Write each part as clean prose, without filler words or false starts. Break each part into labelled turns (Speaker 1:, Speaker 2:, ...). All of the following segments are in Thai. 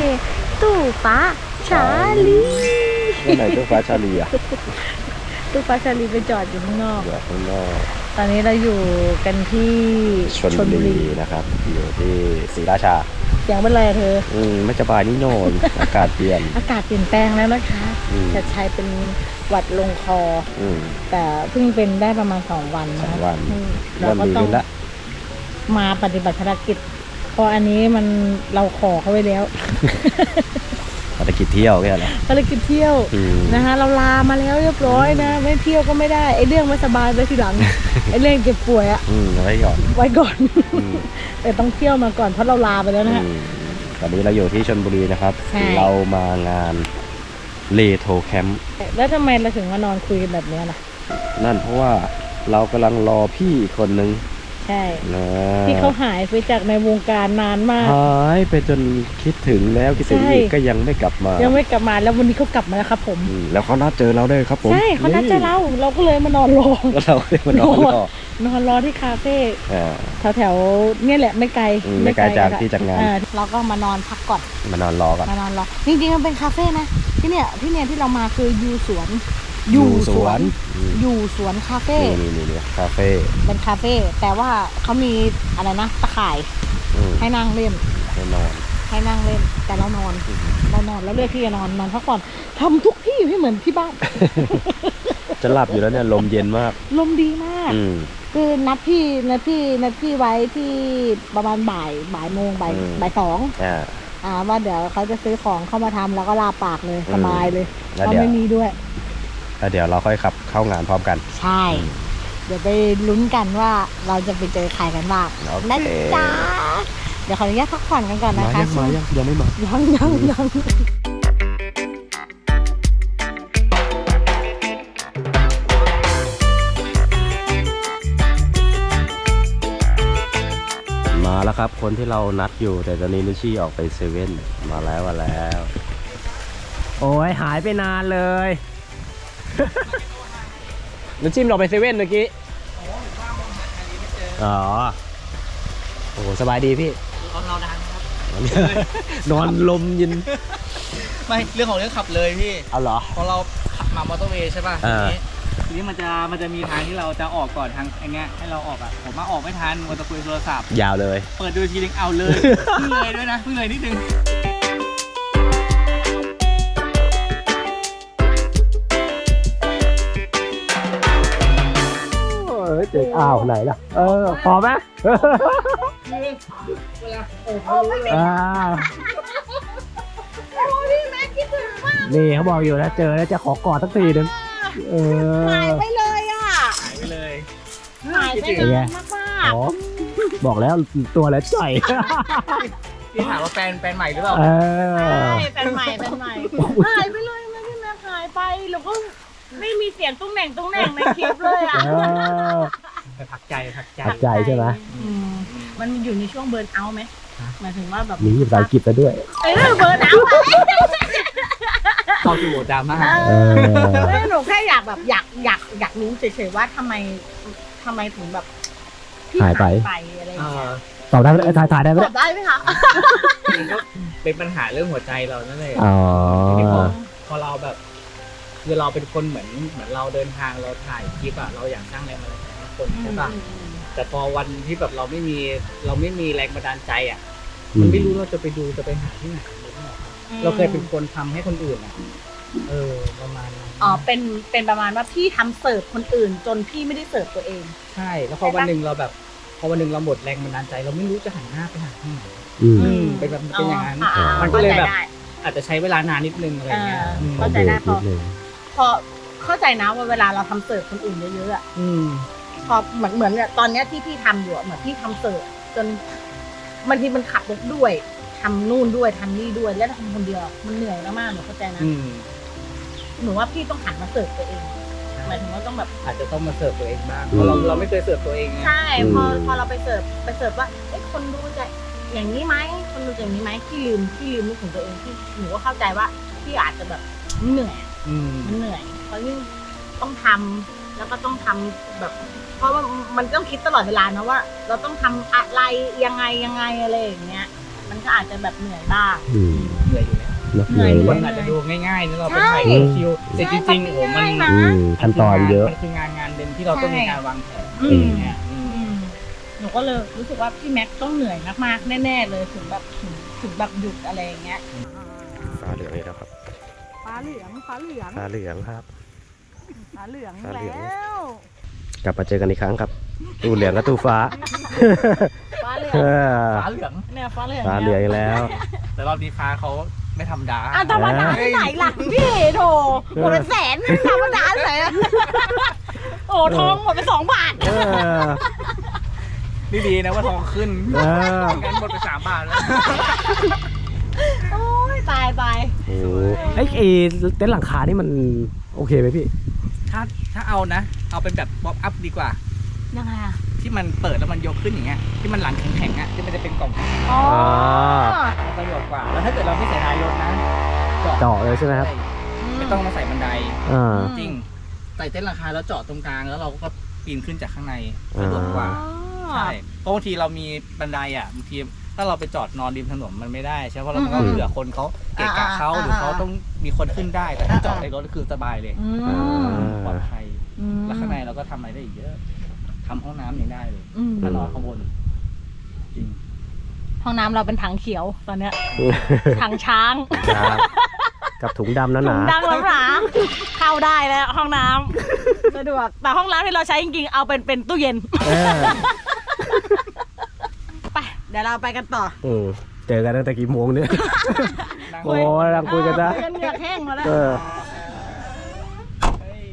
Speaker 1: ตู้ฟ้าชาลี
Speaker 2: เมื่อไหร่ตู้ฟ้าชาลีอ่ะ
Speaker 1: ตู้ฟ้าชาลีไปจอดอยู่ข้างนอก
Speaker 2: อยู่ข้างนอก
Speaker 1: ตอนนี้เราอยู่กันที่
Speaker 2: ชลบุรีนะครับอยู่ที่ศรีราชา
Speaker 1: เสียงเป็นไรเธอ
Speaker 2: ไม่สบายนิดหน่อย อากาศเปลี่ยน
Speaker 1: อากาศเปลี่ยนแปลงแล้วนะคะจะใช้เป็นหวัดลงคอแต่เพิ่งเป็นได้ประมาณ2 วันนะ
Speaker 2: 2 วัน
Speaker 1: เราก็ต้องมาปฏิบัติภารกิจเพราะอันนี้มันเราขอเขาไว้แล้ว
Speaker 2: ภารกิจเที่ยวแค่นั้น
Speaker 1: ภารกิจเที่ยวนะคะเราลามาแล้วเรียบร้อยนะไม่เที่ยวก็ไม่ได้ไอ้เรื่องไม่สบายไว้ทีหลัง ไอ้เรื่องเจ็บป่วยอะ
Speaker 2: ไว้ก่อน
Speaker 1: แต่ต้องเที่ยวมาก่อนเพราะเราลาไปแล้วนะฮะ
Speaker 2: ตอนนี้เราอยู่ที่ชลบุรีนะครับเรามางานเลโทแคมป์
Speaker 1: แล้วทำไมเราถึงมานอนคุยกันแบบนี้ล่ะ
Speaker 2: นั่นเพราะว่าเรากำลังรอพี่อีกคนนึง
Speaker 1: ใช่ที่เขาหายไปจากในวงการนานมาก
Speaker 2: หายไปจนคิดถึงแล้วคิดถึงอีกก็ยังไม่กลับมา
Speaker 1: แล้ววันนี้เขากลับมาแล้วครับผม
Speaker 2: แล้วเขานัดเจอเราด้วยครับผม
Speaker 1: ใช่เขานัดเจอเราก็เลยมานอนรอ
Speaker 2: เราเลยมาน
Speaker 1: อนรอที่คาเฟ่แถวเนี่ยแหละไม่ไกล
Speaker 2: จากที่จัดงาน
Speaker 1: เราก็มานอนพักก่อน
Speaker 2: มานอนรอก่อน
Speaker 1: จริงๆมันเป็นคาเฟ่นะที่เนี่ยที่เรามาคืออยู่สวนคาเฟ่
Speaker 2: นี่คาเฟ่
Speaker 1: เป็นคาเฟ่แต่ว่าเขามีอะไรนะตะข่ายให้นั่งเล่น
Speaker 2: ให้
Speaker 1: นั่งเล่นแต่เรานอนแล้วเลือกที่จะนอนพักผ่อนทำทุกที่ให้เหมือนที่บ้าน
Speaker 2: จะหลับอยู่แล้วเนี่ยลมเย็นมาก
Speaker 1: ลมดีมากคือนัดพี่ไว้ที่ประมาณบ่ายโมงบ่าย2ว่าเดี๋ยวเขาจะซื้อของเข้ามาทำแล้วก็ลาปากเลยสบายเลยเขาไม่มีด้วย
Speaker 2: แล้วเดี๋ยวเราค่อยขับเข้างานพร้อมกัน
Speaker 1: ใช่เดี๋ยวไปลุ้นกันว่าเราจะไปเจอใครกันบ้างนะจ๊ะเดี๋ยวขออนุญาตพักผ่อนกันก่อนนะคะ
Speaker 2: ยังไม่มา
Speaker 1: ยัง
Speaker 2: มาแล้วครับคนที่เรานัดอยู่แต่ตอนนี้นิชี่ออกไปเซเว่นมาแล้วโอ้ยหายไปนานเลยนิชิมเราไปเซเว่นเมื่อกี้อ๋อโอ้สบายดีพี่
Speaker 3: เราดังครับ
Speaker 2: นอนลมเย็น
Speaker 3: ไม่เรื่องของเรื่องขับเลยพี่
Speaker 2: เอาเหรอ
Speaker 3: พอเราขับมามอเตอร์เวย์ใช่ป่ะทีนี้มันจะมีทางที่เราจะออกก่อนทางไอ้เงี้ยให้เราออกอ่ะผมมาออกไม่ทันมัวแต่คุยโทรศัพท์
Speaker 2: ยาวเลย
Speaker 3: เปิดดูทีนึงเอาเลยเพิ่งเลยด้วยนะเพิ่งเลยนิดนึง
Speaker 2: เจ๊อ้าวไหนล่ะพอไหม
Speaker 3: เวลา
Speaker 2: นี่เขาบอกอยู่นะเจอแล้วจะขอกอดสักทีนึง
Speaker 1: หายไปเลยอ่ะ
Speaker 3: หายไปเลย
Speaker 1: หายไปเลยมาก
Speaker 2: บอกแล้วตัวแล้วจ่อย
Speaker 3: พี่ถามว่าแฟนใหม่หรือเปล่า
Speaker 1: ใช่แฟนใหม่หายไปเลยนะพี่แม่หายไปแล้วก็ไม่มีเสียงตุ้งแหน่งในคลิปเลยอ่ะ
Speaker 3: พักใจ
Speaker 2: ใช่ไหม
Speaker 1: มันอยู่ในช่วงเบิร์นเอาท์ไหมหมายถึงว่าแบบ
Speaker 2: มีภาษาอังกฤษแล้วด้วย
Speaker 1: เบิร์นเอาท์
Speaker 3: เข้าสู่ดราม่า
Speaker 1: หนูแค่อยากแบบอยากรู้เฉยๆว่าทำไมถึงแบบ
Speaker 2: หายไป
Speaker 1: อะไรอย่างเงี้ย
Speaker 2: ตอบได้ไหมถ่ายได้ไหม
Speaker 1: ตอบได้ไหมคะ
Speaker 3: ก็เป็นปัญหาเรื่องหัวใจเรานั่นเองพอเราแบบคือเราเป็นคนเหมือนเราเดินทางเราถ่ายคลิปอะเราอยากสร้างแรงบันดาลใจให้คนใช่ป่ะแต่พอวันที่แบบเราไม่มีแรงบันดาลใจอะมันไม่รู้เราจะไปดูจะไปหาที่ไหนเราเคยเป็นคนทำให้คนอื่นอะประมาณนั้น
Speaker 1: เป็นประมาณว่าพี่ทำเสิร์ฟคนอื่นจนพี่ไม่ได้เสิร์ฟตัวเอง
Speaker 3: ใช่แล้วพอวันหนึ่งเราหมดแรงบันดาลใจเราไม่รู้จะหันหน้าไปหาที่ไหนเป็นอย่างนั้นมันก็เลยแบบอาจจะใช้เวลานานนิดนึงอะไรเงี้ย
Speaker 1: เข้าใจได้พอเข้าใจนะว่าเวลาเราทำเสิร์ฟคนอื่นเยอะๆอ่ะพอเหมือนตอนเนี้ยที่พี่ทำอยู่เหมือนพี่ทำเสิร์ฟจนบางทีมันขับรถด้วยทำนู่นด้วยทำนี่ด้วยแล้วทำคนเดียวมันเหนื่อยมากๆหนูเข้าใจนะหนูว่าพี่ต้องหันมาเสิร์ฟตัวเองหมายถึงว่าต้องแบบ
Speaker 3: อาจจะต้องมาเสิร์ฟตัวเองบ้างเพราะเราไม่เคยเสิร์ฟตัวเอง
Speaker 1: ใช่พอเราไปเสิร์ฟว่าคนดูจะอย่างนี้ไหมคนดูอย่างนี้ไหมพี่ลืมนึกถึงตัวเองที่หนูก็เข้าใจว่าพี่อาจจะแบบเหนื่อยมันเหนื่อยเพราะยิ่งต้องทำแล้วก็ต้องทำแบบเพราะว่ามันต้องคิดตลอดเวลานะว่าเราต้องทำอะไรยังไงอะไรอย่างเงี้ยมันก็อาจจะแบบเหนื่อยบ้าง
Speaker 3: เหนื่อยอยู่แล้ว
Speaker 2: เนอะ
Speaker 1: เหนื่อย
Speaker 2: เหนื่อย
Speaker 3: มันอาจจะดูง่ายๆนะเราไป
Speaker 1: ใช่
Speaker 3: ถ่ายคิวแต่จริงๆโอ้มัน
Speaker 1: ใช่
Speaker 2: ขั้นตอนเยอะ
Speaker 3: มันคืองานหนึ่งที่เราต้องมีการวางแผน
Speaker 1: อืม
Speaker 3: อย่างเงี้ย
Speaker 1: หนูก็เลยรู้สึกว่าพี่แม็กซ์ต้องเหนื่อยมากๆแน่ๆเลยถึงแบบถึงแบบหยุดอะไรอย่างเงี้ย
Speaker 2: ฟ้าเหลืองอีกแล้วครับ
Speaker 1: ฟ้าเหลืองฟ้าเหลือง
Speaker 2: ฟ้าเหลืองครับ
Speaker 1: ฟ้าเหลือง
Speaker 2: ฟ้าเหลือง
Speaker 1: แล้ว
Speaker 2: กลับมาเจอกันอีกครั้งครับ ตู้เหลืองกับตู้ฟ้า
Speaker 1: ฟ้าเหลือง
Speaker 2: เออ
Speaker 3: ฟ้าเหลือง
Speaker 1: เนี่ยฟ้าเหลือง
Speaker 2: ฟ้าเหลืองอีกแล้ว
Speaker 3: แต่รอบนี้ฟ้าเขาไม่ธรรมดา
Speaker 1: อ่ะธรรมดาที่ไหนล่ะพี่โถหมดเป็นแสนธรรมดาที่ไหนอะโอ้ทองหมดไป2 บาท
Speaker 2: เออ
Speaker 3: นี่ดีนะว่าทองขึ้น
Speaker 2: เออ
Speaker 3: งั้นหมดไป3 บาทแล้ว
Speaker 1: โอ้ยตาย
Speaker 2: โอ้โหไอ้เต็นท์หลังคานี่มันโอเคไหมพี่
Speaker 3: ถ้าเอานะ เอาเป็นแบบป๊อปอัพดีกว่า
Speaker 1: ยังไงอะ
Speaker 3: ที่มันเปิดแล้วมันยกขึ้นอย่างเงี้ยที่มันหลังแข็งๆอ่ะที่มันจะเป็นกล่องแข็ง
Speaker 1: อ๋อ
Speaker 3: ๆประโยชน์กว่า แล้วถ้าเกิดเราไม่ใส่ท้ายรถนะ
Speaker 2: เจาะเลยใช่ไหมครับ
Speaker 3: ไม่ต้องมาใส่บันได
Speaker 2: อ่า
Speaker 3: จริงใส่เต็นท์ราคาแล้วเจาะตรงกลางแล้วเราก็ปีนขึ้นจากข้างในสะดวกกว่า ใช่เพราะบางทีเรามีบันไดอ่ะบางทีถ้าเราไปจอดนอนริมถนนมันไม่ได้ใช่เพราะเราต้องเผื่อคนเขาเกะกะเขาหรือเขาต้องมีคนขึ้นได้แต่ถ้าจอดในรถก็คือสบายเลย
Speaker 1: อืม
Speaker 3: ปลอดภัย
Speaker 1: อืม
Speaker 3: แล้วข้างในเราก็ทำอะไรได้อีกเยอะทำห้องน้ำยังได้เลย
Speaker 1: อืม
Speaker 3: ถ้านอนข้างบนจริง
Speaker 1: ห้องน้ำเราเป็นถังเขียวตอนเนี้ยถังช้าง
Speaker 2: ครับกับถุงดำนั่น
Speaker 1: ถุ
Speaker 2: นะ
Speaker 1: งดำหนาๆเข้าได้แล้วห้องน้ำสะดวกแต่ห้องน้ำที่เราใช้จริงๆเอาเป็นตู้เย็น
Speaker 2: เออ
Speaker 1: ไปเดี๋ยวเราไปกันต่อ
Speaker 2: เจอกันตั้งแต่กี่โมงเนี่ย
Speaker 3: นั่ง
Speaker 2: โอ้ยนั่งคุยกันนะ
Speaker 1: คุยกันเหงือกแห้งมาแล้ว
Speaker 2: เออ
Speaker 3: เฮ้ย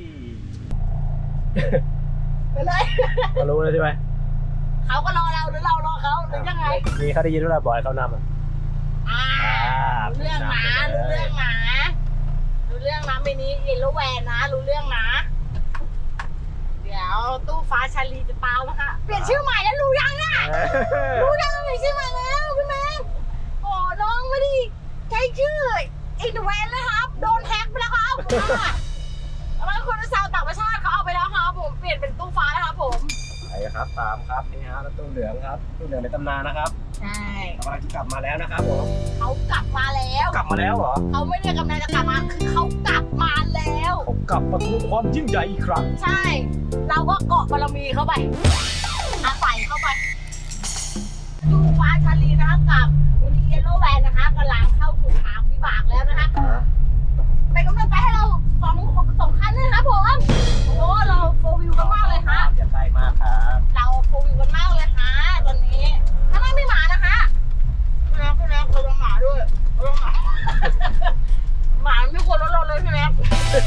Speaker 1: ไปเลย
Speaker 2: ก็รู้แล้วใช่ไหม
Speaker 1: เขาก็รอเราหรือเรารอเขาหรือยังไง
Speaker 2: มีเขาได้ยินว่าบอยเขานำอ่ะ
Speaker 1: อ่ารู้เรื่องนะรู้เรื่องนะรู้เรื่องนะมินิเยลโลแวนนะรู้เรื่องนะ เดี๋ยวตู้ฟ้าชาลีจะตามนะคะเปลี่ยนชื่อใหม่แล้วรู้ยังน่ะรู้ยังเปลี่ยนชื่อใหม่แล้วพี่แมนโอ้น้องไม่ได้ใช้ชื่ออินแวนแล้วครับโดนแฮกไปแล้วครับแล้วคนชาวต่างประเทศเขาเอาไปแล้วครับผมเปลี่ยนเป็นตู้ฟ้าแล้วครับผม
Speaker 2: ไปครับตามครับนี่ฮะตู้เหลืองครับตู้เหลืองในตำนานนะครับ
Speaker 1: ใช่
Speaker 2: กำลังจะกลับมาแล้วนะครับผม
Speaker 1: เขากลับมาแล้ว
Speaker 2: กลับมาแล้วเหรอ
Speaker 1: เขาไม่ได้กำลังจะกลับมาคือเขากลับมาแล้ว
Speaker 2: ผมกลับมาทวงความยิ่งใหญ่อีกครั้ง
Speaker 1: ใช่ เราก็เกาะบารมีเข้าไปอาศัยเข้าไปดูฟ้าชาลีนะคะกับยูนิเยลโลแวนนะคะกำลังเข้าสู่ทางวิบากแล้วนะคะเป็นกำลังใจให้เราสองคันเลยนะครับผมโอ้โหเราโฟร์วิวกันมากเลยค่ะ
Speaker 2: อย่าใกล้มากครับ
Speaker 1: เราโฟร์วิวกันมากเลยค่ะตอนนี้ถ้าไม่หมานะคะพี่แม็กเราลงหมาด้วยเราลงหมาหมาไม่ควรรถเราเลยพี่แม็ก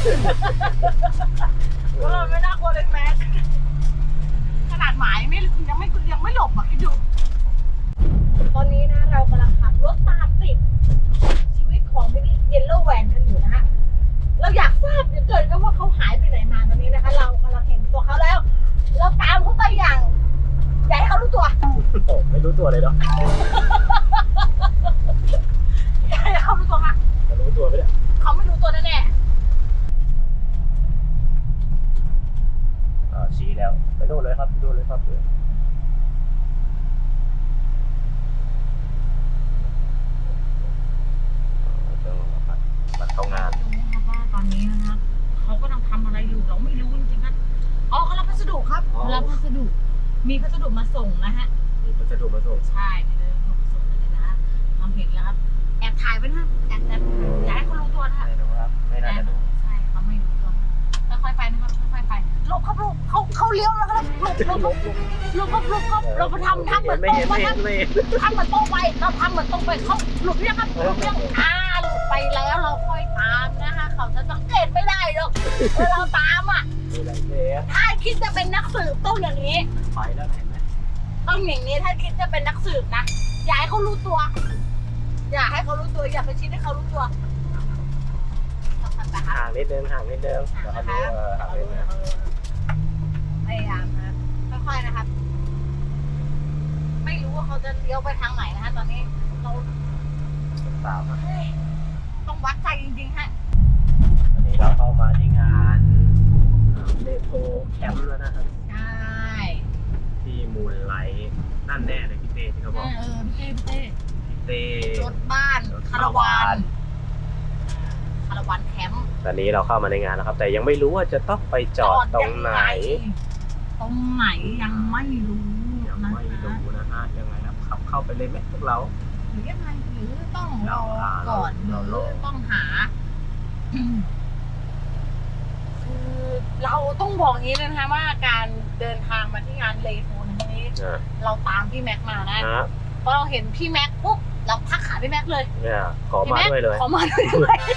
Speaker 1: รถเราไม่น่ากลัวเลยแม็กขนาดหมายังไม่หลบอ่ะคิดดูตอนนี้นะเรากำลังขับรถตามติดชีวิตของมินิเยลโล่แวนกันอยู่นะฮะเราอยากทราบเหลือเกินก็ว่าเขาหายไปไหนมาตอนนี้นะคะ เรากำลังเห็นตัวเขาแล้ว เราตามเขาไปอย่างอย่าให้เขารู้ตัว
Speaker 2: โอ้ไม่รู้ตัวเลยเนาะ
Speaker 1: อย่าให้เขารู้ตัวค่ะ
Speaker 2: จะรู้ตัวไหมเนี่ย
Speaker 1: เขาไม่รู้ตัวแน่
Speaker 2: ชี้แล้วไปโน่นเลยครับโน่นเลยครับบัตรเข้างาน
Speaker 1: ๆดูนะคะว่าตอนนี้นะคะเขากำลังทำอะไรอยู่เราไม่รู้จริงๆครับอ๋อเขารับพัสดุครับรับพัสดุมีพัสดุมาส่งนะฮะ
Speaker 2: มีพัสดุมาส่ง
Speaker 1: ใช่มีพัสดุมาส่งเลยนะเราเห็นแล้วครับแอบถ่ายไว้นะแอบอย่าให้เขารู้ตัวนะคะ
Speaker 2: ไม่รู้ครับไม่น่าจะรู้
Speaker 1: ใช่เขาไม่รู้ตัวค่อยๆไปนะครับค่อยๆไปหลบครับหลบเขาเลี้ยวแล้วครับหลบครับเราไปทำเหมือนตรงไปครับทำเหมือนตรงไปเราทำเหมือนตรงไปเขาหลบเนี่ยครับหลบเนี่ยหลบไปแล้วเราค่อยตามนะคะเขาจะสังเกตไม่ได้หรอกเราตามอ่ะถ้าคิดจะเป็นนักสืบต้องอย่างนี้
Speaker 2: ไปแล้วเห็นไหม
Speaker 1: ต้องอย่างนี้ถ้าคิดจะเป็นนักสืบนะอย่าให้เขารู้ตัว อย่าให้เขารู้ตัวอย่าไปชี้ให้เขารู้ตัว
Speaker 2: ห่างนิดนึงเดี๋ยวเขาดูห่างนิดนึง
Speaker 1: พยายามนะค่อยๆนะครับ ไม่รู้ว่าเขาจะเลี้ยวไปทางไหนนะคะตอนนี้เรา
Speaker 2: ตามครับ
Speaker 1: เฮ้ยต้องวัดใจจริงๆฮะ
Speaker 2: วันนี้เราเข้ามาที่งานเลโก้แคมป์แล้วนะครับ
Speaker 1: ใช่
Speaker 2: ที่มูลไลท์นั่นแน่เลยพี่เต้ที่เขาบอก
Speaker 1: พี่เต้
Speaker 2: พี่เต้
Speaker 1: คาราวานแคมป์
Speaker 2: ตอนนี้เราเข้ามาในงานแล้วครับ แต่ยังไม่รู้ว่าจะต้องไปจอดตรงไหน
Speaker 1: ตรงไหนยังไม่รู้
Speaker 2: ยัง
Speaker 1: นะ
Speaker 2: ไม่รู้
Speaker 1: คะ
Speaker 2: นะฮะยังไงนะขับเข้าไปเลยไหมพวกเรา
Speaker 1: หรือยังไงหรือต้องรอก่อนห
Speaker 2: เรา
Speaker 1: รือ
Speaker 2: รอ
Speaker 1: ต้องหา คือเราต้องบอกอย่างนี้เลยนะคะว่าการเดินทางมาที่งานเลโทนนี้
Speaker 2: อ่ะ
Speaker 1: เราตามพี่แม็กมานะ
Speaker 2: นะ
Speaker 1: พอเราเห็นพี่แม็กปุ๊บเราทักหาพี่แม็กเลย
Speaker 2: เนี่ยขอ
Speaker 1: พี่
Speaker 2: มา
Speaker 1: แม็ก
Speaker 2: ด้วยเลย
Speaker 1: ขอมาด้วย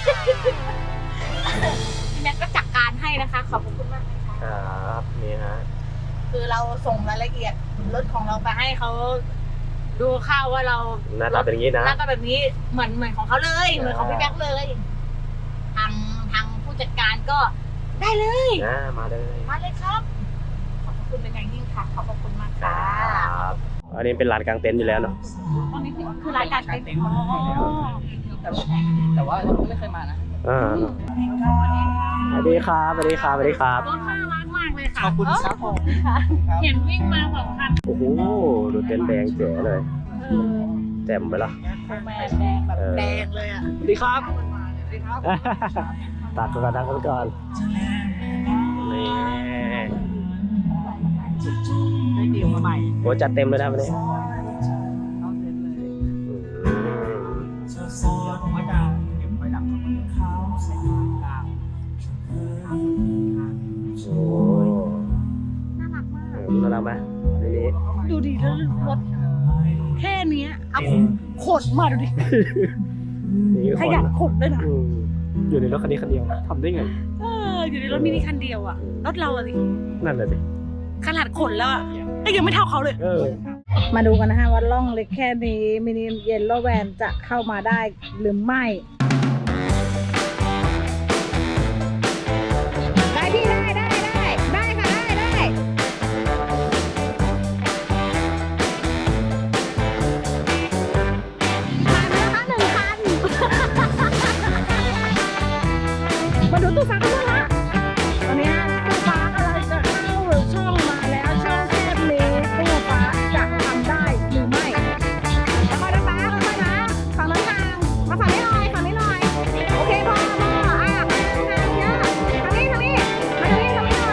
Speaker 1: พี่แม็กก็จัดการให้นะคะ ขอบคุณมากนะคะ
Speaker 2: ครับนี่ฮะ
Speaker 1: คือเราส่งรายละเอียดรถของเราไปให้เขาดูข้าวว่าเรา
Speaker 2: หน้าตาเป็นอย่างนี้นะ
Speaker 1: หน้าตาแบบนี้เหมือนของเขาเลยเหมือนของพี่แม็กเลย ทางผู้จัดการก็ได้เลย
Speaker 2: มาเลย
Speaker 1: มาเลยครับ ขอบคุณเป็นอย่างยิ่งค่ะขอบคุณมาก
Speaker 2: ค
Speaker 1: ค่ะ
Speaker 2: รับอันนี้เป็นลานกลางเต็นท์อยู่แล้วเนาะ
Speaker 1: ตอนนี้คือรายการเต็ม
Speaker 3: แต่ว่าเราไม่เคยมานะ
Speaker 2: สวัสดีครับสวัสดีครับสวัสดีครับ
Speaker 1: รถน่ารักมากเลยค่ะ
Speaker 3: ขอบคุณครับผม
Speaker 1: เห็นวิ่งมา2 คัน
Speaker 2: โอ้โหดูเต็นท์แดงเจ๋เลยแจ่มไปละ
Speaker 1: แมนแดงแบบแดงเลยอ่ะ
Speaker 2: สวัสดีครับตัดก่อนตัดก่อนนี่
Speaker 3: ได้ดีลมาใหม่
Speaker 2: โอ้จัดเต็มเลยนะวันนี้
Speaker 3: เข้าเซ็นเลยผมก็จะเก็บไว้ดักใส่กลาง
Speaker 2: โอ้
Speaker 1: น่ารักมาก
Speaker 2: น่ารักไหมทีนี้
Speaker 1: ดูดิแล้วรถแค่เนี้ยเอาขนมาดูดิ
Speaker 2: นี่
Speaker 1: ขยันขนด้วยนะ
Speaker 2: อยู่ในรถคันนี้คันเดียวทำได้ไง
Speaker 1: อยู่ในรถมินิคันเดียวอ่ะรถเราอะสิ
Speaker 2: นั่นแหละสิ
Speaker 1: ขนาดขนแล้วอ่ะยังไม่เท่าเขาเลย มาดูกันนะฮะว่าล่องเล็กแค่นี้มินิเยลโลแวนจะเข้ามาได้หรือไม่ ได้พี่ได้ค่ะได้ผ่านแล้วค่ะ1 คัน มาดูตู้ฟ้ากันบ้างฮะตอนนี้ตู้ฟ้ากำลังจะเข้าช่องมาแล้วช่องแคบนี้ตู้ฟ้าจะทำได้หรือไม่ค่อยๆนะฟ้าค่อยๆนะฝั่งนั้นทางมาฝั่งนี้หน่อยโอเคพอทางเยอะทางนี้หน่อยไปครับไป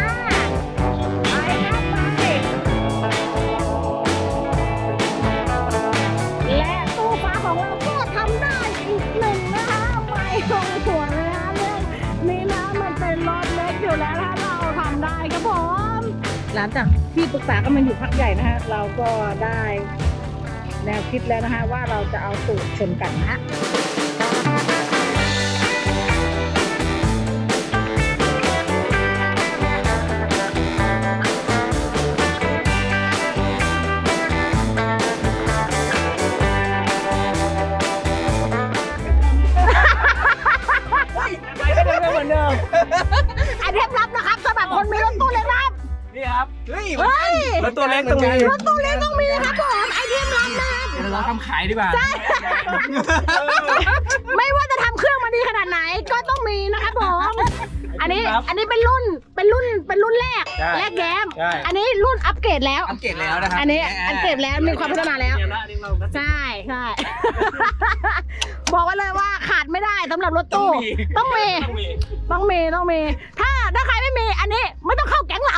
Speaker 1: และตู้ฟ้าของเราก็ทำได้อีก1นะคะไม่ลงหัวเลยนะเรื่องนี้นะมันเป็นรถเล็กอยู่แล้วนะเราทำได้ครับผมหลังจากที่ปรึกษากันมาอยู่พักใหญ่นะฮะเราก็ได้แนวคิดแล้วนะฮะว่าเราจะเอาสูตรชนกันนะฮะไอเทมลับนะครับสำหรับคนมีรถตู้เล็กครับ
Speaker 3: นี่ครับ เฮ้ย
Speaker 1: เฮ้ย
Speaker 2: รถตัวเล็กต้องมี
Speaker 1: รถตู้เล็กต้องมีนะครับผมไอเทมลับนะครับ
Speaker 3: เดี๋ยวเราทำขายดีกว่า
Speaker 1: ไม่ว่าจะทำเครื่องมาดีขนาดไหนก็ต้องมีนะครับผมอันนี้เป็นรุ่นแรกแย้ม
Speaker 3: ใช่
Speaker 1: อันนี้รุ่นอัปเกรดแล้ว
Speaker 3: อัปเกรดแล้วนะครับ
Speaker 1: อันนี้อัปเกรดแล้วมีความพัฒนาแล้ว ใช่ บอกไว้เลยว่าขาดไม่ได้สำหรับรถตู้ต้องมีถ้าใครไม่มีอันนี้ไม่ต้องเข้าแก๊งเรา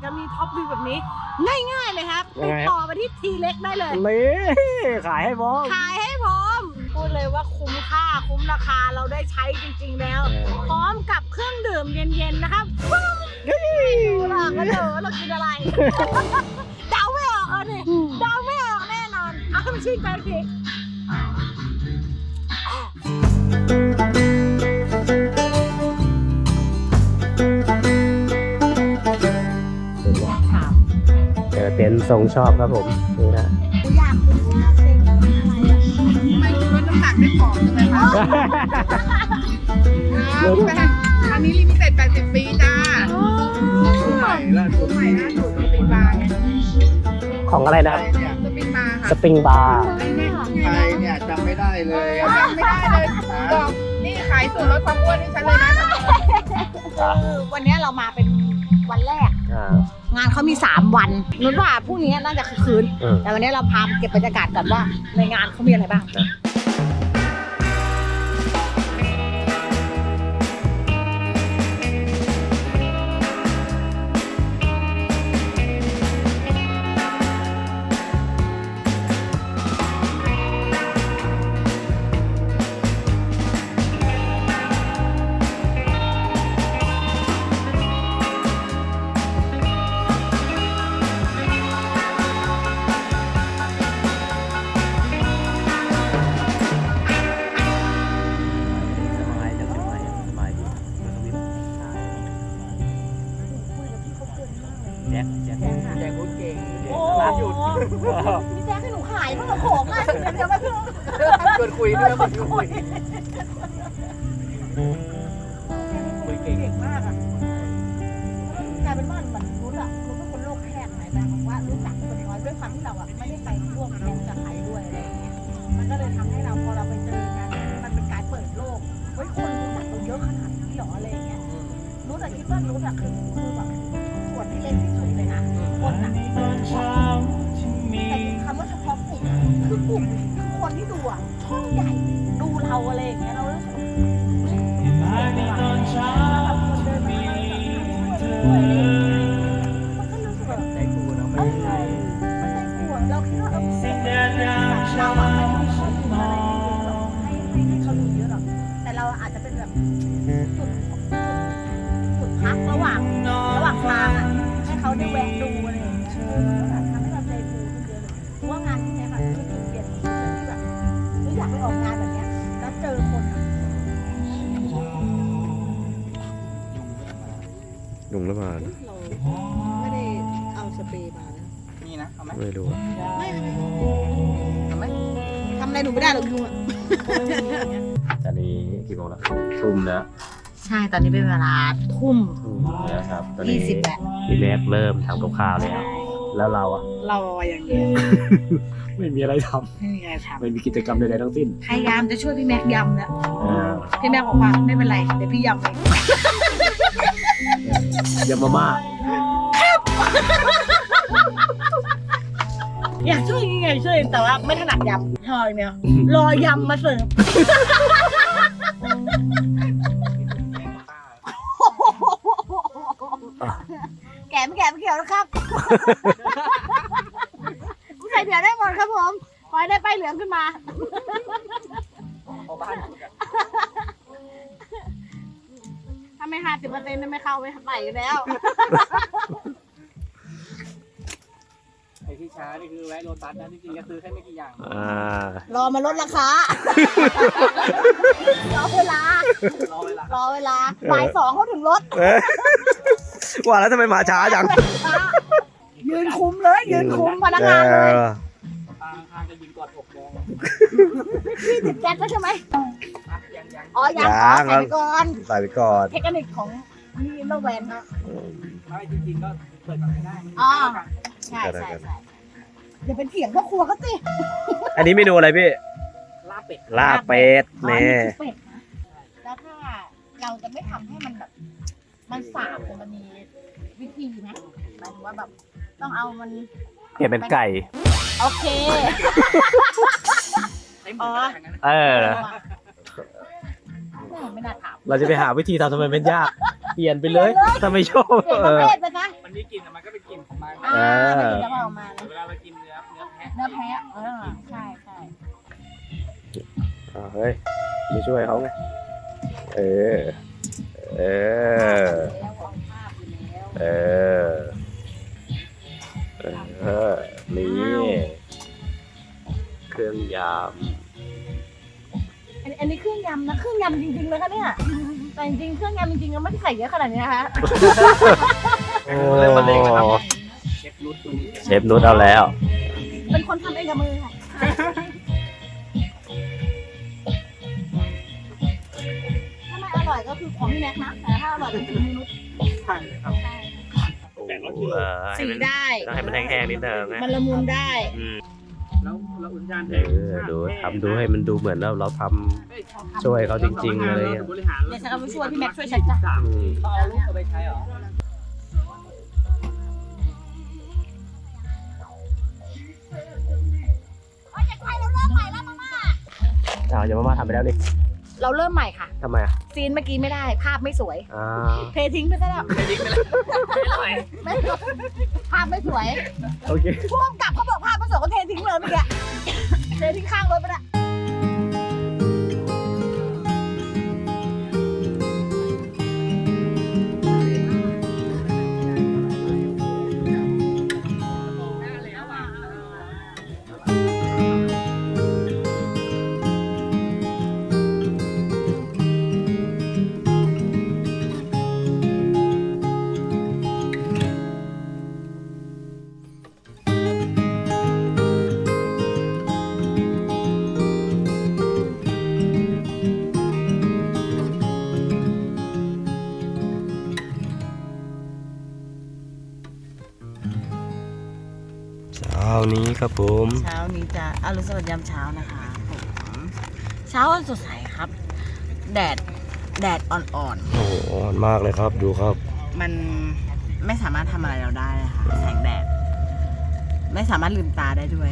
Speaker 1: จะมีท็อปวิวแบบนี้ ง่ายๆเลยครับ
Speaker 2: ยัง
Speaker 1: ติ
Speaker 2: ไง
Speaker 1: ด
Speaker 2: ครับ
Speaker 1: ต่อไปที่ทีเล็กได้เลย
Speaker 2: นี่ขายให้พร้อม
Speaker 1: ขายให้พร้อมพูดเลยว่าคุ้มค่าคุ้มราคาเราได้ใช้จริงๆแล้ว พร้อมกับเครื่องดื่มเย็นๆนะครับดูหลังกันเถอะเรากินอะไร เดาไม่ออกเลยเดาไม่ออกแน่นอนเอาให้มันชื่นใจที ถาม
Speaker 2: เจอเต็นท์ทรงชอบครับผมนี่นะ
Speaker 1: กูอยากรู้ว่าเป็นอะไรอ่ะ
Speaker 4: ไม่รู้ว่าน้ำหนักไม่ผอมใช่ไหมคะอันนี้ลิมิเต็ด80 ปีจ้า
Speaker 3: ใหม่ล่าสุด
Speaker 4: ใหม่ล่าสุดสปริงบาร์ไง
Speaker 2: ของอะไรนะครับ
Speaker 4: สปริงบาร์
Speaker 2: ส
Speaker 4: ค่ะ
Speaker 2: ปริงบาร์
Speaker 4: ไอ้เนี่ย
Speaker 3: ใครเนี่ยจำไม่ได้เลย
Speaker 4: จำไม่ได้เลยบอกนี่ขายสูตรลดความอ้วนให้ฉันเลยนะ
Speaker 1: คือวันนี้เรามาเป็นวันแรก งานเขามี 3 วันนุชว่าพรุ่งนี้น่าจะคือคืน แต่วันนี้เราพาไปเก็บบรรยากาศก่อนว่าในงานเขามีอะไรบ้าง
Speaker 2: สบายจังเลยสบายดีแจ็ค
Speaker 3: แจกพูดเก่ง
Speaker 1: โอ้
Speaker 3: ร้านหยุด
Speaker 1: พี่แจ๊คให้หนูขายบ้างเหรอของอ่ะเดี๋ยวมาเพิ่ง
Speaker 3: ชวนคุยด้วยคนคุยคุยเก่ง
Speaker 1: เก่งมากอ่ะกลายเป็นว่าเหมือนนุชอ่ะนุชเป็นคนโลกแคบไหนแบบว่ารู้จักคนน้อยด้วยความที่เราอ่ะไม่ได้ไปร่วมแข่งกับใครด้วยอะไรอย่างเงี้ยมันก็เลยทำให้เราพอเราไปเจองานมันเป็นการเปิดโลกเฮ้ยคนรู้จักเราเยอะขนาดนี้เหรออะไรอย่างเงี้ยนุชอะคิดว่านุชอะคือแบบส่วนที่เล็กที่สุดเลยนะคนอะแต่คำว่าเฉพาะกลุ่มอะคือกลุ่มคือคนที่ดูอะช่องใหญ่ดูเราอะไรอย่างเงี้ยเรารู้สึกแบบคนเดินมามันก็รู้สึกแบบ
Speaker 3: ใจกูเนาะไม่ใช่
Speaker 1: มันใจกลัวเราคิดว่าเราอะไม่ได้เขาดูอะไรเยอะหรอกให้เขาดูเยอะหรอกแต่เราอาจจะเป็นแบบจุดพักระหว่างทางอ่ะให้เขาได้แวะดูอะไรอย่างเงี้ยก็แบบทำให้เราใจฟูขึ้นเยอะเลยเพราะว่างานที่เนี้ยค่ะคือจุดเปลี่ยนของชีวิตที่แบบอยากไปออกงานแบบเนี้ยแล้วเจอคนอะ
Speaker 2: ยุงหรือเปล่า
Speaker 1: เราไม่ได้เอาสเปรย์มานะ
Speaker 3: นี่นะเอาไหม
Speaker 2: ไม่รู้
Speaker 1: ไม่
Speaker 3: เอาไหม
Speaker 1: ทำอะไรหนูไม่ได้หรอกยุงอ่ะ
Speaker 2: ตอนนี้กี่โมงแล้วทุ่มแล้ว
Speaker 1: ใช่ตอนนี้เป็นเวลาทุ่ม
Speaker 2: นะครับตอนนี้
Speaker 1: 20แล้ว
Speaker 2: พี่แม็กเริ่มทำกับข้าวแล้ว แล้วเราอะ
Speaker 1: เราอย่างเดียว
Speaker 2: ไม่มีอะไรท
Speaker 1: ไม่มีอะไรท
Speaker 2: ำไม่มีกิจกรรมใดๆทั้งสิ้น
Speaker 1: ำพยายามจะช่วยพี่แม็กยำแล้วพี่แม็กบอกว่าไม่เป็นไรเดี๋ยวพี่ยำเอง
Speaker 2: ยำมาม่า
Speaker 1: อยากช่วยยังไงช่วยแต่ว่าไม่ถนัดยำรออย่างเดียวรอยำมาเสิร์ฟแกไม่เกี่ยวนะครับใส่เดี๋ยวได้หมดครับผมขอให้ได้ป้ายเหลืองขึ้นมา
Speaker 3: เอาบ้านกูกัน
Speaker 1: ถ้าไม่50%ไม่เข้าไปอยู่แล้ว
Speaker 3: ไอ้ที่ช้านี่คือแวะโลตัสนะจริงๆก็ซื้อแค่ไม่กี่อย่าง
Speaker 1: รอมาลดราคา รอเวลา
Speaker 3: รอเวลา
Speaker 1: รอเวลาบ่าย2เขาถึงรถ
Speaker 2: ว่าแล้วทำไมมาช้าจัง
Speaker 1: ยืนคุมเลยยืนคุมพนักงานเลย
Speaker 3: ตาข้างๆจะยิงกอดอกมอง
Speaker 1: พี่ติดแก๊สแล้วใช่ไหม
Speaker 3: อ่ะยัง
Speaker 1: อ๋อยัง
Speaker 2: ยัง
Speaker 1: ใส่ไปก่อน
Speaker 2: ใส่ไปก่อน
Speaker 1: เทคนิคของนี่โลแวนเนาะ
Speaker 3: ไม่จริงๆก็เปิดก่อนก็ได้มัน
Speaker 1: อ๋อ
Speaker 3: เท่ากัน
Speaker 1: ใช่อย่าเป็นเถียงพ่อครัวก็สิ
Speaker 2: อันนี้เมนูอะไรพี่
Speaker 3: ลาบเป็ด
Speaker 2: ลาบเป็ด
Speaker 1: อ๋อ
Speaker 2: นี่
Speaker 1: นี่คือเป็ดนะแล้วถ้าเราจะไม่ทำให้มันแบบ มันสาบแต่มันมีวิธีไหมหมายถึงว่าแบบต้องเอามัน
Speaker 2: เปลี่ยนเป็นไก่
Speaker 1: โอเค
Speaker 3: ใช้หมูก็ได้ทั้งนั้น
Speaker 2: เออ
Speaker 1: ไม่น่าถาม
Speaker 2: เราจะไปหาวิธีทำทำไมเป็นยาก เปลี่ยนไปเลยถ้าไม่ชอบ
Speaker 1: เปลี่ยนประเภทไปซะ
Speaker 3: มันมีกลิ่นแต่มันก็เป็นกลิ่นของมัน
Speaker 1: ไม่กินกะเพรามา
Speaker 3: เวลาเรากินเนื้อแพะ
Speaker 1: เนื้อแพะใช่ใช่
Speaker 2: เฮ้ยไม่ช่วยเขาไงเออเออ
Speaker 1: แล้ววางภาพอยู่แล้ว
Speaker 2: เออนี่เครื่องย
Speaker 1: อันนี้เครื่องยำนะเครื่องยำจริงๆเลยค่ะเนี่ยแต่จริงๆเครื่องยำจริงๆก็ไม่ได้ใส่เยอะขนาดนี้นะคะ
Speaker 2: ำโอ้
Speaker 3: เริ่มมาเลยครับเชฟรุดตัวนี้
Speaker 2: เชฟนุชเอาแล้ว
Speaker 1: เป็นคนทำเองกับมือค่ะถ้าไม่อร่อยก็คือของพี่แม็กนะแต่ถ้าอร่อยก็คือมนุษย์
Speaker 3: ใช่ครับ
Speaker 1: ใช่
Speaker 2: ให้มัน
Speaker 1: สีได้
Speaker 2: ต้องให้มันแห้งๆนิดนึงนะ
Speaker 1: มันละมุนได้
Speaker 3: แล้วเราอุ่นจาน
Speaker 2: ดูทำดูให้มันดูเหมือนเราทำช่วยเขาจริงๆเลย
Speaker 3: บริหาร
Speaker 1: เดี๋ยวฉันก็ไปช่วยพี่แม็กช่วยฉันจ้ะ
Speaker 2: อืม
Speaker 3: ต้องเอาลูกเอาไปใช้เหรอ
Speaker 2: อย่ามาทำไปแล้วนี่
Speaker 1: เราเริ่มใหม่ค่ะ
Speaker 2: ทำไมอ่ะ
Speaker 1: ซีนเมื่อกี้ไม่ได้ภาพไม่สวย
Speaker 2: อ่า
Speaker 1: เททิ้งไปซะแล้ว
Speaker 3: ไม่ดิ้งไปแล้วไม่อร่อย
Speaker 1: ไม่สวยภาพไม่สวย
Speaker 2: โอเค
Speaker 1: ผู้กำกับเขาบอกภาพไม่สวยก็เททิ้งเลยเมื่อกี้เททิ้งข้างรถไปละ
Speaker 2: เช้านี้ครับผม
Speaker 1: เช้านี้จะอรุณสวัสดิ์ยามเช้านะคะผมเช้าวันสดใสครับ แดดอ่อน
Speaker 2: โอ้โหอ่อนมากเลยครับดูครับ
Speaker 1: ๆมันไม่สามารถทำอะไรเราได้เลยค่ะแสงแดด ไม่สามารถลืมตาได้ด้วย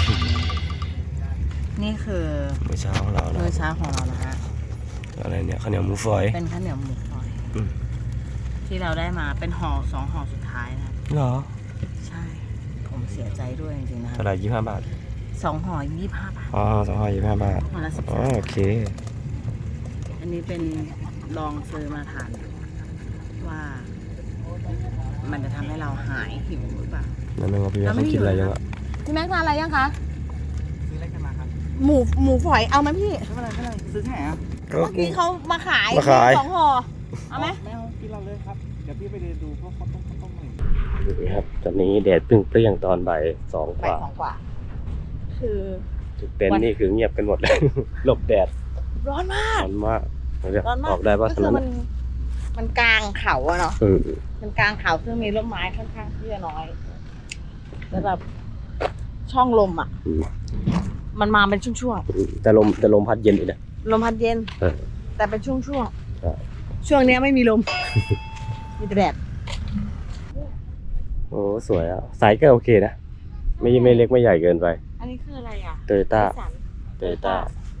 Speaker 1: นี่คือ
Speaker 2: มื้อเช้าของเรานะ
Speaker 1: มื้อเช้าของเรานะฮะ
Speaker 2: อะไรเนี่ยข้าวเหนียวหมูฝอย
Speaker 1: เป็นข้าวเหนียวหมูฝอย
Speaker 2: อืม
Speaker 1: ที่เราได้มาเป็นห่อ2 ห่อสุดท้ายนะ
Speaker 2: เหรอ
Speaker 1: ใช่ ผมเสียใจด้วยจริงๆนะค
Speaker 2: เท่า
Speaker 1: รับ
Speaker 2: ไหร่25 บาท
Speaker 1: 2 ห่อ25 บาท
Speaker 2: อ๋อ225 บาท
Speaker 1: ห่อละ
Speaker 2: อ๋อโอเค
Speaker 1: 13อันนี้เป็นลองซื้อมาทานว่า มันจะทำให้เราหายหิวหรือเปล่า
Speaker 2: นั่นนึงว่าพี่แม่เขากินอะไรยังอ่ะ
Speaker 1: พี่แม็กทานอะไรยังคะ
Speaker 3: ซื้ออะไรกันมาครับ
Speaker 1: หมูฝอยเอาไหมพี่
Speaker 3: ไม่เป็นไรซื้อที่ไหนอ่ะ
Speaker 1: เมื่อกี้เขามาขาย
Speaker 2: มาขาย
Speaker 1: 2 ห่อเอาไหม
Speaker 3: ไม่เอากินเราเลยครับเดี๋ยวพี่ไปเดินดูพวกข้าวต้มหน่อย
Speaker 2: นี่ครับตอนนี้แดดเปรี้ยงๆตอนบ่าย2 กว่า
Speaker 1: 2 กว่า คือ
Speaker 2: ทุกเต็นท์นี่คือเงียบกันหมดเลย หลบแดด
Speaker 1: ร้อนมาก
Speaker 2: ร้อนมากเดี๋ยว
Speaker 1: ร้อนมาก
Speaker 2: ออกได้ป่ะ
Speaker 1: ก็
Speaker 2: ถ
Speaker 1: คื
Speaker 2: น
Speaker 1: อน มันกลางเขาอะเนาะ
Speaker 2: อืม
Speaker 1: มันกลางเขาซึ่งมีร่มไม้ค่อนข้างที่จะน้อย แล้วแบบช่องลมอ่ะ
Speaker 2: อืม
Speaker 1: มันมาเป็นช่วง
Speaker 2: แต่ลมพัดเย็นอีกนะ
Speaker 1: ๆ ลมพัดเย็น
Speaker 2: เออ
Speaker 1: แต่เป็นช่วง
Speaker 2: ใช่
Speaker 1: ๆ ช่วงเนี้ยไม่มีลม มีแต่แดด
Speaker 2: โอ้สวยอ่ะไซส์ก็โอเคนะไม่เล็กไม่ใหญ่เกินไป
Speaker 1: อันนี้คืออะไรอ่ะ
Speaker 2: โตโยต้า
Speaker 1: นิสสัน
Speaker 2: โตโยต้า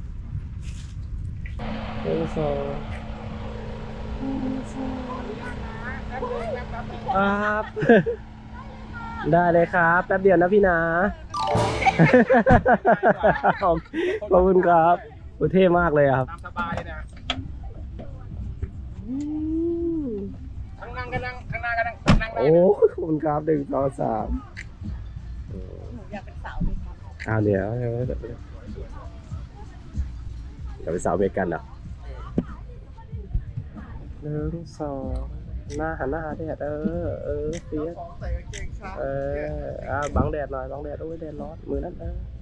Speaker 2: ครับ ได้เลยครับแป๊บเดียวนะพี่นะ ขอบคุณครับโอ้เท่มากเลยอะครับ
Speaker 3: ตามสบายเลยนะข้างนั่งก็นั่งข้างหน้าก็นั่งได้
Speaker 2: โอ้ขอบคุณครับ1 2 3
Speaker 1: หนูอยากเป็นสาวมีความ
Speaker 2: เดี๋ยวเป็นสาวอเมริกันเหรอ1 2หันหน้าหาแดดเฟียส
Speaker 3: ใส่กางเกงช้า
Speaker 2: บังแดดหน่อยบังแดดโอ้ยแดดร้อนมือนั่น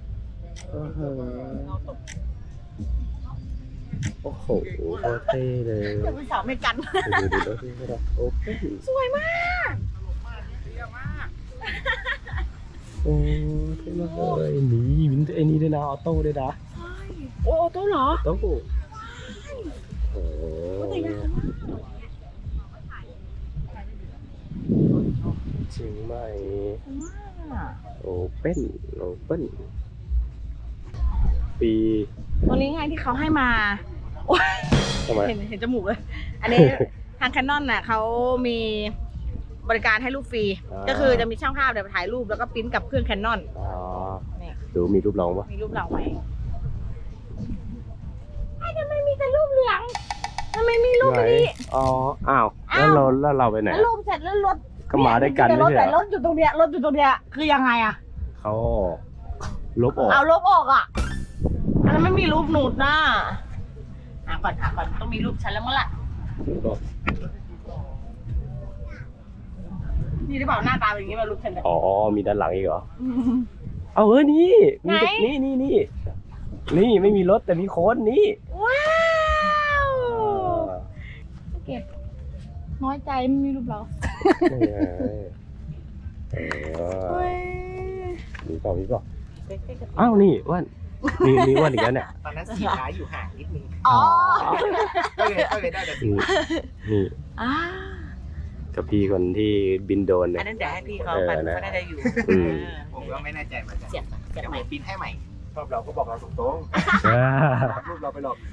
Speaker 2: โอ้โหโคตรเท่เลย
Speaker 1: อยากเป็นสาวไม่กัน
Speaker 2: ดูโอ้โห
Speaker 1: สวยมาก
Speaker 3: เยี่ยมมาก
Speaker 2: โอ้เท่มากเลยนี่วินไอ้นี่ด้วยนะออโต้ด้วยนะ
Speaker 1: โอ้โต้เหรอ
Speaker 2: โอ้โหโอ้
Speaker 1: แต่ยากมาก
Speaker 2: จริงไหม
Speaker 1: มาก
Speaker 2: โอเป้นปี
Speaker 1: ตัวนี้ไงที่เขาให้มาโอ๊ย
Speaker 2: ทำไม
Speaker 1: เห็นจมูกเลย อันนี้ ทางแคนนอนน่ะเขามีบริการให้รูปฟรี ก็คือจะมีช่างภาพเดี๋ยวไปถ่ายรูปแล้วก็ปริ้นกับเครื่องแคนนอน
Speaker 2: อ๋อ
Speaker 1: นี่
Speaker 2: ดูมีรูปน้องปะ
Speaker 1: มีรูปเราไหมทำไมมีแต่รูปเหลืองทำไมมีรูปนี้
Speaker 2: อ๋อ อ้าว แล้วเราไปไหน
Speaker 1: แล้วรูปเสร็จแล้วรถ
Speaker 2: ก็มาด้วยกัน
Speaker 1: แต่ร
Speaker 2: ไม่
Speaker 1: ถ
Speaker 2: ใช่
Speaker 1: แต่
Speaker 2: เหร
Speaker 1: ร
Speaker 2: อ
Speaker 1: ถอยู่ตรงเนี้ยรถอยู่ตรงเนี้ยคือยังไงอะ
Speaker 2: เขาลบออก
Speaker 1: เอาลบออกอ่ะอันนั้นไม่มีรูปหนูดนะหาก่อนต้องมีรูปฉันแล้วมั้งล่ะนี่หรือเปล่าหน้าตาเป็นอย่างนี้มารูปฉันเนี่ย
Speaker 2: อ๋อ มีด้านหลังอีกเหรอ เอานี่มี
Speaker 1: ไหน
Speaker 2: นี่ไม่มีรถแต่มีคนนี่
Speaker 1: ว้าวเก็บน้อยใจไม่มีรูปเรา
Speaker 2: นี่ไงมีเปล่าอ้าวนี่อ้วนมีอ้วนอีกแล้วเนี่ย
Speaker 3: ตอนนั้นสีขาอยู่ห่างนิดนึง
Speaker 1: อ๋อ
Speaker 3: ก็เลยได้แต่สี
Speaker 2: นี่
Speaker 1: อ่า
Speaker 2: กับพี่คนที่บินโดรนเนี่
Speaker 1: อั
Speaker 2: ย
Speaker 1: นนั้นเดี๋ยวให้พี่เขาไปเขาน่าจะอยู่
Speaker 2: อืม
Speaker 3: ผมก็ไม่แน่ใจเหมือนกัน
Speaker 1: เสียบ
Speaker 3: เดี๋ยว
Speaker 1: ให
Speaker 3: ผ
Speaker 1: ม่
Speaker 3: มปิ้นให้ใหม่ชอบเราก็บอกเราตรงๆรูปเราไปหลอก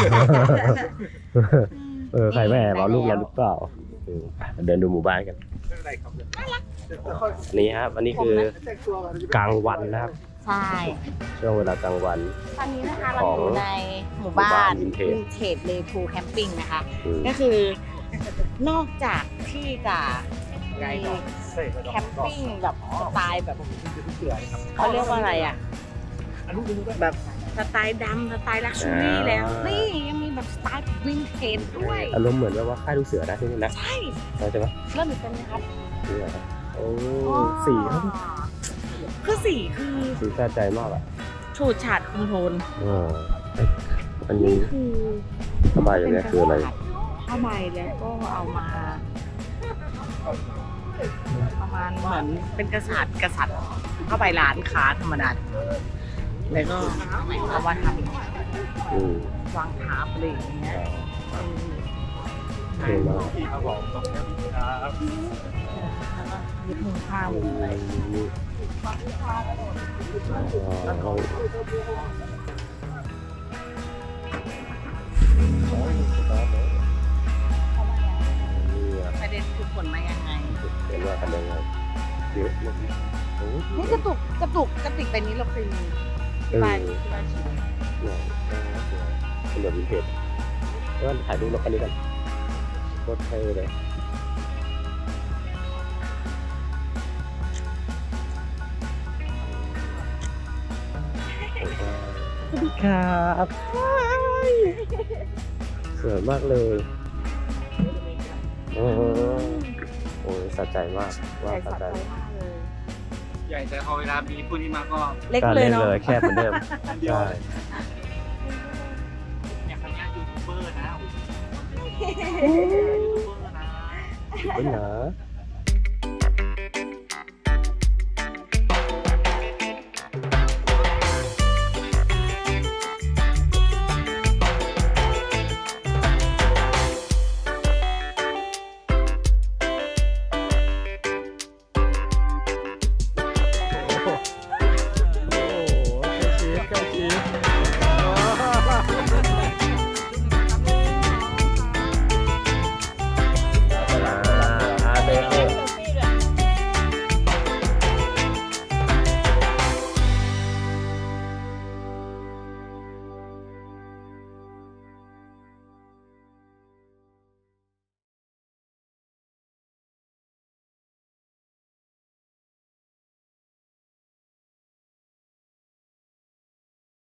Speaker 2: ใครไม่แอบเอารูปเราหรือเปล่าเดินดูหมู่บ้านกัน
Speaker 3: ไม่เป็นไรครับ
Speaker 2: นี่ครับอันนี้คือกลางวันนะครับ
Speaker 1: ใช่
Speaker 2: ช่วงเวลากลางวัน
Speaker 1: ตอนนี้นะคะเราอยู่ในหมู่บ้าน
Speaker 2: วินเทจ
Speaker 1: วินเทจเลทูแคมปิ้งนะคะ
Speaker 2: อืม
Speaker 1: ก็คือนอกจากที่จะมีแคมปิ้งแบบสไตล์แบบเขาเรียกว่าอะไรอ่ะแบบสไตล์ดำสไตล์ลักชัวรี่แล้ว นี่ยังมีแบบสไตล์วินเทจด้วย
Speaker 2: อารมณ์เหมือนแบบว่าค่ายลูกเสือนะที่นี่นะ
Speaker 1: ใช่
Speaker 2: ใช่ไหม
Speaker 1: เริ่มเป็นไหมครับ
Speaker 2: นี่เหรอโอ้สีเขา
Speaker 1: คือสีคือ
Speaker 2: สีสะใจมากอ่ะ
Speaker 1: ฉูดฉาดคุมโทน
Speaker 2: อันนี้
Speaker 1: คือ
Speaker 2: สบายอย่างนี้คืออะไร
Speaker 1: ผ้าใบแล้วก็เอามา ประมาณเหมือนเป็นกษัตริย์เข้าไปร้านค้าธรรมดาแล้วก็เอามาท
Speaker 2: อืม
Speaker 1: ำวางทับอะไรอย่างเงี้ย
Speaker 2: เท่มาก
Speaker 3: พี่ครับผมครับ
Speaker 1: แล้วก็ยึดมือผ้าไว้ ประเด็นคือผลมายังไง
Speaker 2: เห็นว่ากันยังไงเยอะมากโอ้
Speaker 1: นี่กระติกไปนี้เราเคยมีที่บ้านชิม
Speaker 2: เนี่ยเป็นแบบวินเทจแล้วถ่ายรูปรถคันนี้กันโคตรเท่เลยสวัสดีครับสวยมากเลยโอ้ยสะใจมากว่าสะใจ
Speaker 3: ใหญ่แต่พอเวลามีผู้นี้มาก็
Speaker 1: เล็ก
Speaker 2: ก็
Speaker 1: เลย
Speaker 2: เล่น
Speaker 1: เนาะ
Speaker 2: เลยแค่เหมือนเดิม
Speaker 3: เดียว
Speaker 2: ใช่
Speaker 3: เนี่ยครั้งนี้ยูทูบเบอร์นะยูทูบเบอร์นะ
Speaker 2: เป็นเหรอ